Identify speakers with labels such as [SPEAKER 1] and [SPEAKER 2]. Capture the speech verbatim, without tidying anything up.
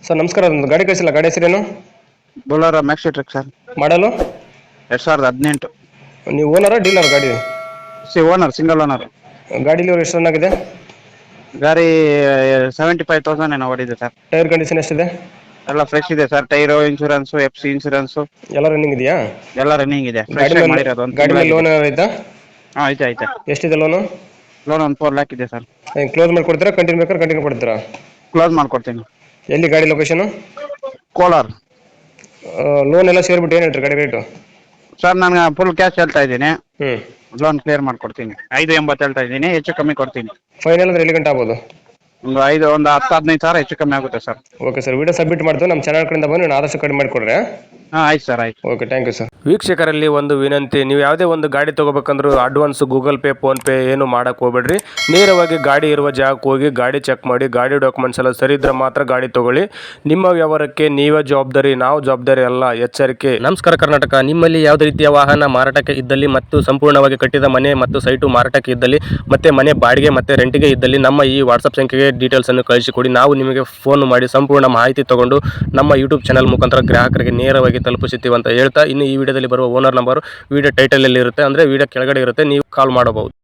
[SPEAKER 1] Sir ನಮಸ್ಕಾರ, ಒಂದು ಗಾಡಿ ಕಳಿಸಿಲ್ಲ, ಗಾಡಿ ಹೆಸರೇನು?
[SPEAKER 2] ಬೊಲೊರೋ ಮ್ಯಾಕ್ಸಿ ಟ್ರಕ್ ಸರ್,
[SPEAKER 1] ಮಾಡಲು
[SPEAKER 2] ಎರಡು ಸಾವಿರದ ಹದಿನೆಂಟು.
[SPEAKER 1] ನೀವು ಓನರಾ ಡೀಲರ್ ಗಾಡಿ?
[SPEAKER 2] ಸಿ ಓನರ್, ಸಿಂಗಲ್ ಓನರ್.
[SPEAKER 1] ಗಾಡೀಲಿ ಎಷ್ಟು ರನ್ ಆಗಿದೆ?
[SPEAKER 2] ಗಾಡಿ ಸೆವೆಂಟಿ ಫೈವ್ ತೌಸಂಡ್ ಏನೋ ಓಡಿದೆ ಸರ್.
[SPEAKER 1] ಟೈರ್ ಕಂಡೀಷನ್ ಎಷ್ಟಿದೆ?
[SPEAKER 2] ಎಲ್ಲ ಫ್ರೆಶ್ ಇದೆ sir. Tyre, insurance, F C insurance
[SPEAKER 1] ಎಲ್ಲ ರನ್ನಿಂಗ್ ಇದೆಯಾ?
[SPEAKER 2] ಎಲ್ಲ ರನ್ನಿಂಗ್ ಇದೆ.
[SPEAKER 1] ಗಾಡಿ
[SPEAKER 2] ಫ್ರೆಶ್
[SPEAKER 1] ಮೇಲೆ
[SPEAKER 2] ಮಾಡಿರೋದು ಒಂದು
[SPEAKER 1] ಗಾಡಿ ಮೇಲೆ ಲೋನ್ ಏನಾರು ಐತಾ?
[SPEAKER 2] ಹಾಂ ಐತೆ ಐತೆ.
[SPEAKER 1] ಎಷ್ಟಿದೆ ಲೋನು?
[SPEAKER 2] ಲೋನ್ ಒಂದು ಫೋರ್ ಲ್ಯಾಕ್ ಇದೆ ಸರ್.
[SPEAKER 1] ಕ್ಲೋಸ್ ಮಾಡಿ ಕೊಡ್ತೀರಾ, ಕಂಟಿನ್ಯೂ ಬೇಕಾದ್ರೆ ಕಂಟಿನ್ಯೂ ಕೊಡ್ತೀರಾ?
[SPEAKER 2] ಕ್ಲೋಸ್ ಮಾಡ್ಕೊಡ್ತೀನಿ.
[SPEAKER 1] ಎಲ್ಲಿ ಗಾಡಿ ಲೊಕೇಶನು?
[SPEAKER 2] ಕೋಲಾರ್.
[SPEAKER 1] ಲೋನ್ ಎಲ್ಲ ಸೇರಿಬಿಟ್ಟು ಏನು ಹೇಳ್ತೀರಿ ಗಾಡಿ ರೇಟು?
[SPEAKER 2] ಸರ್ ನಾನು ಫುಲ್ ಕ್ಯಾಶ್ ಹೇಳ್ತಾ ಇದ್ದೀನಿ.
[SPEAKER 1] ಹ್ಞೂ
[SPEAKER 2] ಲೋನ್ ಕ್ಲಿಯರ್ ಮಾಡ್ಕೊಡ್ತೀನಿ. ಐದು ಎಂಬತ್ತು ಹೇಳ್ತಾ ಇದ್ದೀನಿ, ಹೆಚ್ಚು ಕಮ್ಮಿ ಕೊಡ್ತೀನಿ.
[SPEAKER 1] ಫೈನಲ್ ಅಂದ್ರೆ ಎಲ್ಲಿ ಗಂಟೆ ಆಗ್ಬೋದು?
[SPEAKER 2] ಒಂದು ಐದು ಒಂದು ಹತ್ತು ಹದಿನೈದು ಸಾವಿರ ಹೆಚ್ಚು ಕಮ್ಮಿ ಆಗುತ್ತೆ sir.
[SPEAKER 1] Okay sir, video submit ಮಾಡ್ತೀವಿ. ನಮ್ಮ ಚಾನಲ್ ಕಡೆಯಿಂದ ಬಂದು ನೀವು ಆದಷ್ಟು ಕಡಿಮೆ ಮಾಡಿಕೊಡ್ರಿ.
[SPEAKER 2] ಹಾಂ ಆಯ್ತು ಸರ್, ಆಯ್ತು.
[SPEAKER 1] Okay, thank you sir. ವೀಕ್ಷಕರಲ್ಲಿ ಒಂದು ವಿನಂತಿ, ನೀವು ಯಾವುದೇ ಒಂದು ಗಾಡಿ ತೊಗೋಬೇಕಂದ್ರೂ ಅಡ್ವಾನ್ಸ್ ಗೂಗಲ್ ಪೇ, ಫೋನ್ಪೇ ಏನು ಮಾಡೋಕ್ಕೆ ಹೋಗ್ಬೇಡ್ರಿ. ನೇರವಾಗಿ ಗಾಡಿ ಇರುವ ಜಾಗಕ್ಕೆ ಹೋಗಿ ಗಾಡಿ ಚೆಕ್ ಮಾಡಿ, ಗಾಡಿ ಡಾಕ್ಯುಮೆಂಟ್ಸ್ ಎಲ್ಲ ಸರಿ ಇದ್ರೆ ಮಾತ್ರ ಗಾಡಿ ತೊಗೊಳ್ಳಿ. ನಿಮ್ಮ ವ್ಯವಹಾರಕ್ಕೆ ನೀವೇ ಜವಾಬ್ದಾರಿ, ನಾವು ಜವಾಬ್ದಾರಿ ಅಲ್ಲ, ಎಚ್ಚರಿಕೆ. ನಮಸ್ಕಾರ ಕರ್ನಾಟಕ. ನಿಮ್ಮಲ್ಲಿ ಯಾವುದೇ ರೀತಿಯ ವಾಹನ ಮಾರಾಟಕ್ಕೆ ಇದ್ದಲ್ಲಿ ಮತ್ತು ಸಂಪೂರ್ಣವಾಗಿ ಕಟ್ಟಿದ ಮನೆ ಮತ್ತು ಸೈಟು ಮಾರಾಟಕ್ಕೆ ಇದ್ದಲ್ಲಿ ಮತ್ತೆ ಮನೆ ಬಾಡಿಗೆ ಮತ್ತು ರೆಂಟಿಗೆ ಇದ್ದಲ್ಲಿ ನಮ್ಮ ಈ ವಾಟ್ಸಪ್ ಸಂಖ್ಯೆಗೆ ಡೀಟೇಲ್ಸನ್ನು ಕಳಿಸಿಕೊಡಿ. ನಾವು ನಿಮಗೆ ಫೋನ್ ಮಾಡಿ ಸಂಪೂರ್ಣ ಮಾಹಿತಿ ತಗೊಂಡು ನಮ್ಮ ಯೂಟ್ಯೂಬ್ ಚಾನಲ್ ಮುಖಾಂತರ ಗ್ರಾಹಕರಿಗೆ ನೇರವಾಗಿ ತಲುಪಿಸುತ್ತೀವಿ ಅಂತ ಹೇಳ್ತಾ, ಇನ್ನು ಈ ವಿಡಿಯೋದಲ್ಲಿ ಬರುವ ಓನರ್ ನಂಬರ್ ವಿಡಿಯೋ ಟೈಟಲಲ್ಲಿ ಇರುತ್ತೆ, ಅಂದರೆ ವಿಡಿಯೋ ಕೆಳಗಡೆ ಇರುತ್ತೆ, ನೀವು ಕಾಲ್ ಮಾಡಬಹುದು.